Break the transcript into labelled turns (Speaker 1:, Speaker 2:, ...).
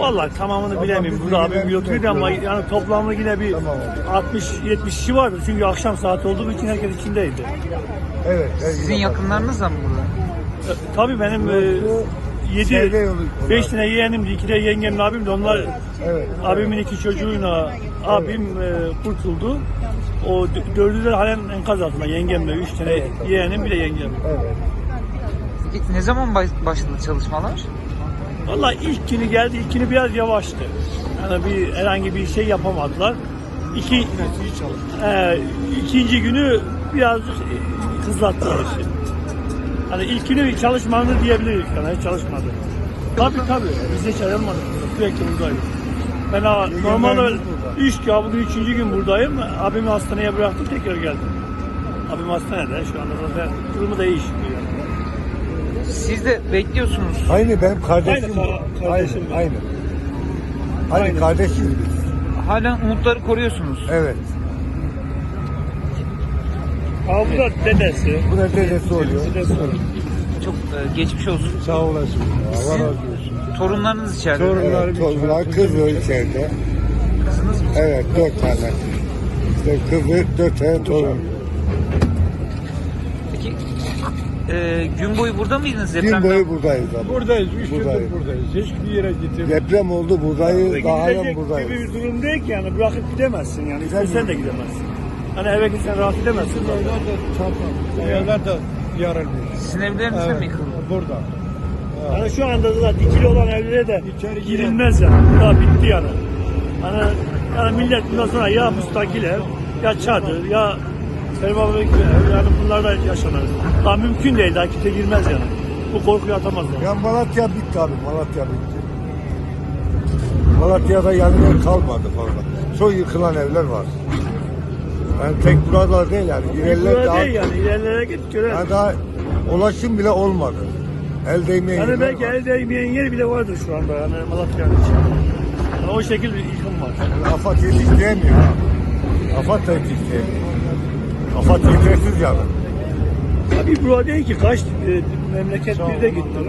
Speaker 1: Vallahi tamamını bilemiyorum. Burada abim götürdü ama yani toplamda yine bir 60-70 kişi vardı. Çünkü akşam saati olduğu için herkes içindeydi.
Speaker 2: Evet.
Speaker 3: Sizin yakınlarınız da mı burada?
Speaker 1: Tabii benim 5 tane yeğenim, 2 de yengemle abim de onlar abimin 2 çocuğuyla abim kurtuldu. O 4'ü de halen enkaz altında yengemle 3 tane yeğenim bir de yengem.
Speaker 3: Peki ne zaman başladı çalışmalar?
Speaker 1: Vallahi ilk günü geldi, ilk günü biraz yavaştı. Yani herhangi bir şey yapamadılar. İkinci günü biraz hızlattılar işi. Hani ilk günü çalışmadı diyebiliriz, yani hiç çalışmadı. Tabii biz hiç ayrılmadık, sürekli buradayız. Ben normalde bugün 3. gün buradayım. Abimi hastaneye bıraktım, tekrar geldim. Abim hastanede, şu anda zaten durumu da iyi şükür.
Speaker 3: Siz de bekliyorsunuz.
Speaker 2: Aynı benim kardeşim. Aynı kardeşiz biz.
Speaker 3: Halen umutları koruyorsunuz.
Speaker 2: Evet.
Speaker 1: Bu da dedesi.
Speaker 2: Bu da dedesi oluyor.
Speaker 3: Çok geçmiş olsun.
Speaker 2: Sağ olasın. Allah razı olsun.
Speaker 3: Torunlarınız içeride.
Speaker 2: Torunlar kız o içeride.
Speaker 3: Kızınız mı?
Speaker 2: Evet 4 tane. İşte kızı 4 tane torun.
Speaker 3: Peki gün boyu burada mıydınız?
Speaker 2: Gün boyu buradayız abi.
Speaker 4: Buradayız, 3 gündür
Speaker 2: Buradayız.
Speaker 4: buradayız. Hiçbir yere gitmedik.
Speaker 2: Deprem oldu buradayız. Daha halen
Speaker 1: Gidecek
Speaker 2: buradayız.
Speaker 1: gibi bir durum değil ki yani bırakıp gidemezsin yani. İstersen de gidemezsin. Hani eve gitsen rahat edemezsin.
Speaker 4: Evler de çarpar. Evler de yarılmış.
Speaker 3: Sizin evleriniz de mi yıkıldı?
Speaker 4: Burada.
Speaker 1: Yani şu anda da dikili olan evlere de
Speaker 4: İçeri
Speaker 1: girilmez yani. Daha bitti yani. Yani millet bundan sonra ya müstakil ev, ya çadır, ya permalık ev, yani bunlar da yaşanır. Daha mümkün değil, daha kimse girmez yani. Bu korkuyu atamaz yani.
Speaker 2: Ya Malatya bitti abi. Malatya bitti. Malatya'da yani kalmadı fazla. Çok yıkılan evler var. Yani tek buralar değil yani. İlerler daha,
Speaker 1: Değil yani, ilerlere git göre.
Speaker 2: yani daha ulaşım bile olmadı. El değmeyen
Speaker 1: Yani
Speaker 2: yerler
Speaker 1: belki
Speaker 2: var.
Speaker 1: el değmeyen yer bile vardır şu anda yani Malatya'nın içinde. Yani o şekilde bir yıkım var.
Speaker 2: Yani AFAD yetiştiremiyor ha. AFAD da yetiştiremiyor. AFAD yetersiz yani.
Speaker 1: Tabii burada değil ki kaç memleket bir de gitti.